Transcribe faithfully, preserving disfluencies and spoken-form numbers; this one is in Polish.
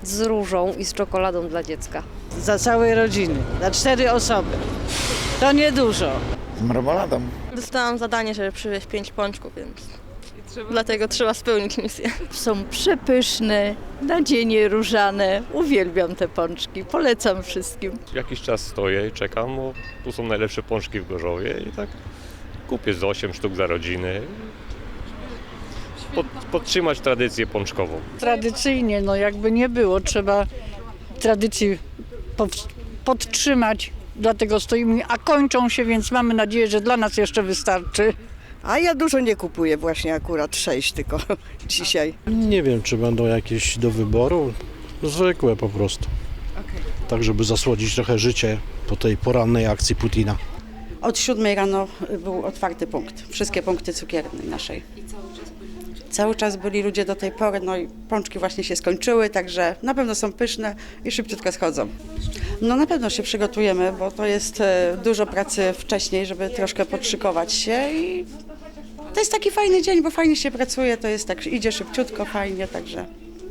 z różą i z czekoladą dla dziecka. Za całej rodziny, na cztery osoby. To niedużo. Z marmoladą. Dostałam zadanie, żeby przywieźć pięć pączków, więc dlatego trzeba spełnić misję. Są przepyszne, nadzienie różane. Uwielbiam te pączki, polecam wszystkim. Jakiś czas stoję i czekam, bo tu są najlepsze pączki w Gorzowie i tak kupię z osiem sztuk za rodziny. Pod, podtrzymać tradycję pączkową. Tradycyjnie, no jakby nie było, trzeba tradycji pow- podtrzymać, dlatego stoimy, a kończą się, więc mamy nadzieję, że dla nas jeszcze wystarczy. A ja dużo nie kupuję, właśnie akurat sześć tylko dzisiaj. Nie wiem, czy będą jakieś do wyboru. Zwykłe po prostu. Tak, żeby zasłodzić trochę życie po tej porannej akcji Putina. Od siódmej rano był otwarty punkt. Wszystkie punkty cukiernej naszej. Cały czas byli ludzie do tej pory, no i pączki właśnie się skończyły, także na pewno są pyszne i szybciutko schodzą. No na pewno się przygotujemy, bo to jest e, dużo pracy wcześniej, żeby troszkę podszykować się i to jest taki fajny dzień, bo fajnie się pracuje, to jest tak, idzie szybciutko, fajnie, także